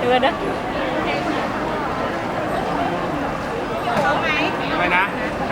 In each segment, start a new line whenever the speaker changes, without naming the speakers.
เลยนะ
ไปนะ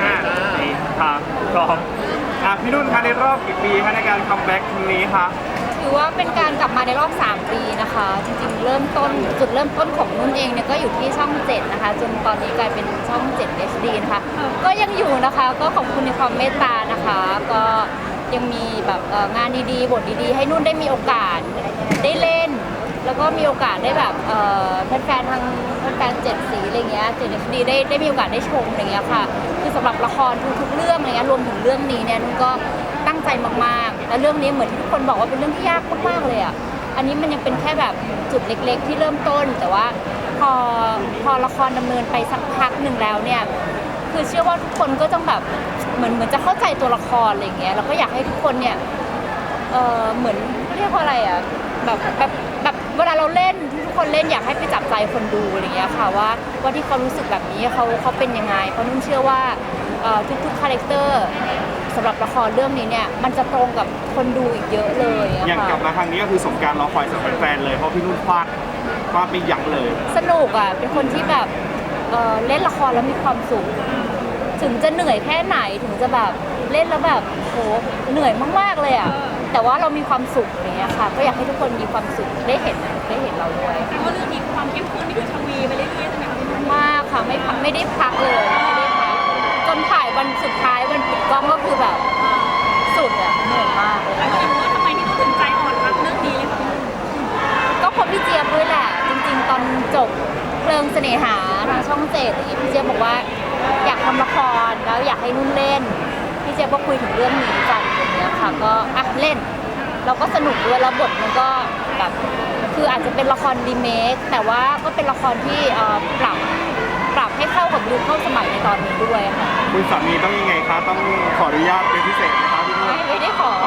4 3 2พี่นุ่นคะในรอบกี่ปีคะในการคัมแบ็กครั้งนี้คะ
ถือว่าเป็นการกลับมาในรอบ3 ปีนะคะจริงๆจุดเริ่มต้นของนุ่นเองเนี่ยก็อยู่ที่ช่อง7นะคะจนตอนนี้กลายเป็นช่อง7 HD นะคะก็ยังอยู่นะคะก็ขอบคุณในความเมตตานะคะก็ยังมีแบบงานดีๆบทดีๆให้นุ่นได้มีโอกาสได้เล่นแล้วก็มีโอกาสได้แบบแฟนๆทางแฟน7 สีอะไรเงี้ย7 HD ได้มีโอกาสได้ชมอะไรเงี้ยค่ะคือสำหรับละครทุกๆเรื่องอะไรเงี้ยรวมถึงเรื่องนี้เนี่ยนุ่นก็ตั้งใจมากๆและเรื่องนี้เหมือนที่ทุกคนบอกว่าเป็นเรื่องที่ยากมากๆเลยอ่ะอันนี้มันยังเป็นแค่แบบจุดเล็กๆที่เริ่มต้นแต่ว่าพอละครดำเนินไปสักพักหนึ่งแล้วเนี่ยคือเชื่อว่าทุกคนก็ต้องแบบเหมือนจะเข้าใจตัวละครอะไรเงี้ยแล้วก็อยากให้ทุกคนเนี่ยเหมือนเรียกว่าอะไรอ่ะแบบเวลาเราเล่นทุกคนเล่นอยากให้ไปจับใจคนดูอะไรเงี้ยค่ะว่าที่เขารู้สึกแบบนี้เขาเป็นยังไงเพราะนุ่นเชื่อว่าทุกคาแรคเตอร์สำหรับละครเรื่องนี้เนี่ยมันจะตรงกับคนดูอีกเยอะเลย
อย่างกลับมาครั้งนี้ก็คือสมการรอคอยสำหรับแฟนเลยเพราะพี่นุ่นฟาดไม่ยั้งเลย
สนุกอ่ะเป็นคนที่แบบเล่นละครแล้วมีความสุขถึงจะเหนื่อยแค่ไหนถึงจะแบบเล่นแล้วแบบโหเหนื่อยมากๆเลยอ่ะแต่ว่าเรามีความสุขอย่างเงี้ยค่ะก็อยากให้ทุกคนมีความสุขได้เห็นเราด้วย
แต่ว่าเรื่องนี้ความเข้มข้นนี่คือทวีไปเรื่อยๆใช่ไหมคะ
มากค่ะไม่ได้พักเลยไม่ได้พักจนถ่ายวันสุดท้ายวันปิดกล้องก็คือแบบสุดอ่ะเหนื่อยมากเลย
แล้วก็รู้ว่าทำไมพี่นุ่นถึงใจอ่อนรับเรื่องนี้เลยค่ะ
ก็เพราะพี่เจี๊ยบด้วยแหละจริงๆตอนจบเพลิงเสน่หาทางช่อง7อย่างเงี้ยพี่เจี๊ยบบอกว่าอยากทำละครแล้วอยากให้นุ่นเล่นพี่เจี๊ยบก็คุยถึงเรื่องนี้กันอย่างเงี้ยค่ะก็เล่นเราก็สนุกด้วยแล้วบทมันก็แบบคืออาจจะเป็นละครรีเมคแต่ว่าก็เป็นละครที่ปรับให้เข้ากับยุคเข้าสมัยในตอนนี้ด้วยค่ะ
คุณสามีต้องยังไงคะต้องขออนุญาตเป็นพิเศษไหมคะพี่นุ่น
ไม่ได้ขอ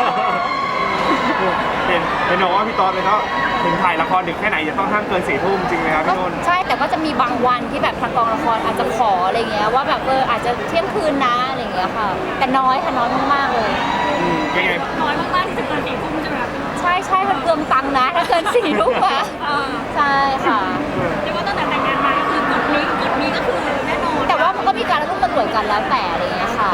เห็นบอกว่าพี่ตอนเลยก็ถึงถ่ายละครดึกแค่ไหนจะต้องห้ามเกิน4 ทุ่มจริงไหมครับพี่นุ่น
ใช่แต่ก็จะมีบางวันที่แบบทางกองละครอาจจะขออะไรเงี้ยว่าแบบอาจจะเที่ยงคืนนะอะไรเงี้ยค่ะแต่น้อยค่ะน้อยมากๆเลย
ยังไง
น้อยมากๆที่จะเกิน4 ทุ่มใช่ไหมคะ
ใช่มันเกินตังค์นะถ้าเกิน4 ทุ่มอะใช่ค่ะ
เรียกว่าตั้งแต่แต่งงานมาก็คือกฎนี้ก็คือแน่นอน
แต่ว่ามันก็มีการร่วมตำรวจกันแล้วแต่อะไรเงี้ยค่ะ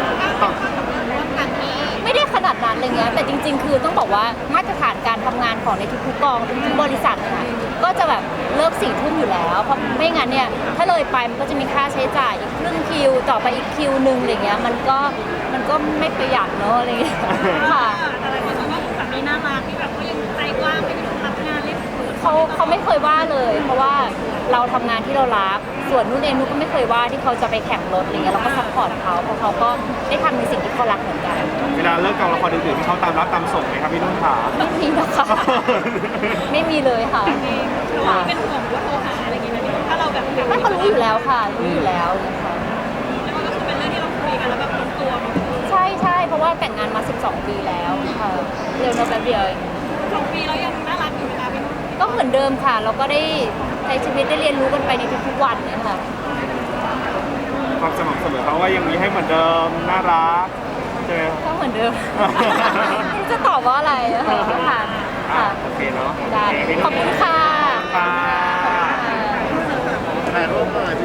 ไม่ได้ขนาดนั้นอะไรเงี้ยแต่จริงๆคือต้องบอกว่ามาตรฐานการทำงานของในทุกๆกองทุกๆบริษัทค่ะก็จะแบบเลิก4 ทุ่มอยู่แล้วเพราะไม่งั้นเนี่ยถ้าเลยไปมันก็จะมีค่าใช้จ่ายอีกครึ่งคิวต่อไปอีกคิวนึงอะไรเงี้ยมันก็ไม่ประหยัดเนอะอะไรเงี้ยค่ะ
แต่หลายคนชมว่าคุณสามีน่ารักที่แบบเขายังใจกว้างไม่ได้รับงานเล่น
เขาไม่เคยว่าเลยเพราะว่าเราทำงานที่เรารักส่วนนุ่นเองนุ่นก็ไม่เคยว่าที่เขาจะไปแข่งรถอะไรเงี้ยเราก็ซัพพอร์ตเขาเพราะเขาก็ได้ทำในสิ่งที่เขารักเหมือนกัน
เวลาเลิกกองละครดึกๆที่เขาตามรับตามส่งไหมครับพี่นุ่นขา
ไม่มีนะคะไม่มีเลยค่ะ
เราเป็นห่วงว่าโทรหาอะไรอย่างเงี้ยถ้าเราแบบ
ไม่เขารู้อยู่แล้วค่ะรู้อยู่แล้วนะคะ
แล้วมันก็คือเป็นเรื่องที่เราคุยกันแล้วแบบลงตัว
ใช่เพราะว่าแต่งงานมา12 ปีแล้วค่ะเร็วนะแป๊บเดียว
2 ปีแล้วยังน่ารักอยู่ไหมคะพี่นุ่น
ก็เหมือนเดิมค่ะเราก็ได้ใช้ชีวิตได้เรียนรู้กันไปในทุกๆวันเนี่ยค่ะ
ความสม่ำเสมอเขาว่ายังมีให้เหมือนเดิมน่ารักใช่ไหม
ก็เหมือนเดิมจะตอบว่าอะไรค่ะ
โอเคเนาะ
ได้ขอบคุณค่ะ
ถ่ายรูปหน่อย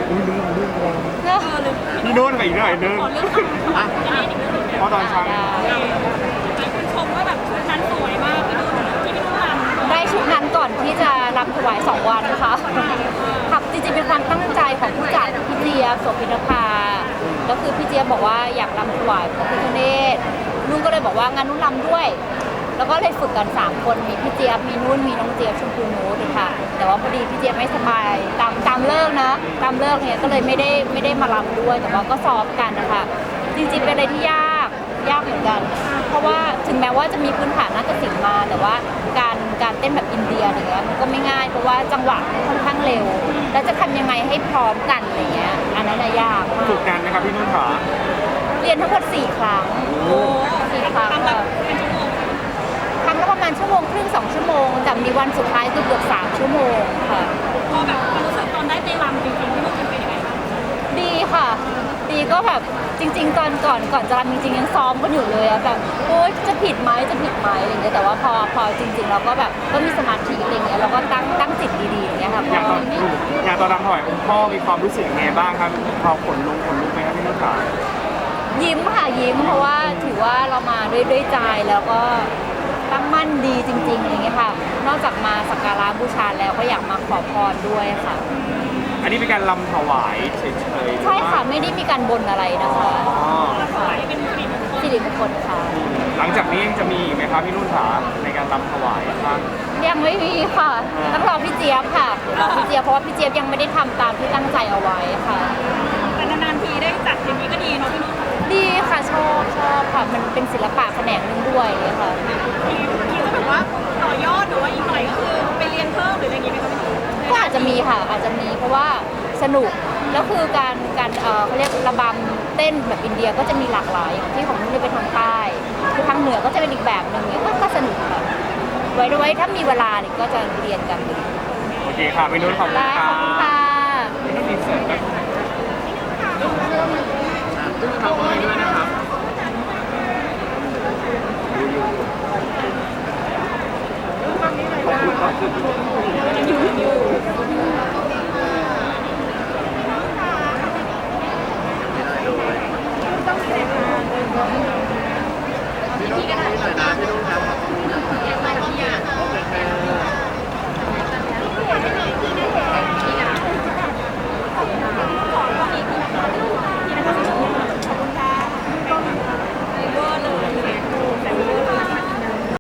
พี่นุ่นไปอีกหน่อยนึงเพราะตอนเช้า
คุณชมว่าแบบชุดนั้นสวยมากพี่นุ่นที่พี่นุ่นรำ
ได้ชุดนั้นก่อนที่จะรำถวาย2 วันนะคะครับจริงๆเป็นความตั้งใจของผู้จัดพี่เจี๊ยบโสภินภาแล้วคือพี่เจี๊ยบบอกว่าอยากรำถวายพระพิฆเนศนุ่นก็เลยบอกว่างั้นนุ่นรำด้วยแล้วก็เลยฝึกกัน3 คนมีพี่เจี๊ยบมีนุ่นมีน้องเจี๊ยบชมพูนูดค่ะแต่ว่าพอดีพี่เจี๊ยบไม่สบายตามเลิกนะตามเลิกเนี่ยก็เลยไม่ได้มารำด้วยแต่ว่าก็ซ้อมกันนะคะจริงๆเป็นอะไรที่ยากเหมือนกันเพราะว่าถึงแม้ว่าจะมีพื้นฐานนาฏศิลป์มาแต่ว่าการเต้นแบบอินเดียอย่างเงี้ยมันก็ไม่ง่ายเพราะว่าจังหวะค่อนข้างเร็วแล้วจะทำยังไงให้พร้อมกันอะไรเงี้ยอันนั้นยากมาก
ฝึกนานไหมครับพี่นุ่นขา
เรียนทั้งหมด4 ครั้ง4 ครั้งครั้งละประมาณ1.5 ชั่วโมง2 ชั่วโมงแต่มีวันสุดท้ายคือเกือบ3 ชั่วโมงค่ะ
พอแบบรู้สึกตอนได้ไปรำจริงๆพี่นุ่นเป็นยังไงบ้าง
ดีค่ะดีก็แบบจริง ๆ ตอนก่อนจะรำจริงๆยังซ้อมกันอยู่เลยอะแบบโอ๊ยจะผิดไหมอะไรอย่างเงี้ยแต่ว่าพอจริง ๆ เราก็แบบก็มีสมาธิอะไรเงี้ยเราก็ตั้งจิตดีๆอย่างเงี้ยค่ะ
อย่างตอนรำถวายองค์พ่อมีความรู้สึกยังไงบ้างครับพอขนลุกไหมครับพี่นุ่นขา
ยิ้มค่ะยิ้มเพราะว่าถือว่าเรามาด้วยใจแล้วก็ตั้งมั่นดีจริงๆอะไรเงี้ยค่ะ นอกจากมาสักการะบูชาแล้วก็อยากมาขอพรด้วยค่ะ
อันนี้เป็นการรำถวายเฉยๆ
ใช่ค่ะไม่ได้มีการบนอะไรนะคะ
อ๋อ
สวยเป็นสิริมงคล
สิริมงคลค่ะ
หลังจากนี้ยังจะมีอีกไหมครับพี่นุ่นขาในการรำถวายครับ
ยังไม่มีค่ะต้องรอพี่เจี๊ยบค่ะรอพี่เจี๊ยบเพราะว่าพี่เจี๊ยบยังไม่ได้ทำตามที่ตั้งใจเอาไว้ค่ะ
แต่นานๆทีได้จัดอย่างนี้ก็ดีเนาะพี่นุ่น
ดีค่ะชอบค่ะมันเป็นศิลปะแขนงหนึงด้วยเลยค่ะ
ทีก็แบบว่าต่อยอดหรือว่าอีกหน่อยก็คือไปเรียนเพิ่มหรืออะไรอย่างงี้ไหมคะพี่นุ่น
ก็อาจจะมีค่ะอาจจะมีเพราะว่าสนุกแล้วคือการเขาเรียกระบำเต้นแบบอินเดียก็จะมีหลากหลายอย่างที่ของนุ่นเป็นทางใต้คือทางเหนือก็จะเป็นอีกแบบหนึ่งเนี่ยก็สนุกค่ะไว้ถ้ามีเวลาเนี่ยก็จะเรียนกัน
โอเคค่ะพี่นุ่นขอบคุณ
ได้
ค
ข
รั
อบคุณค่ะ
พี่นุ่นอินเสิร์ตครับขอบคุณด้วยนะครับขอบคุณครับ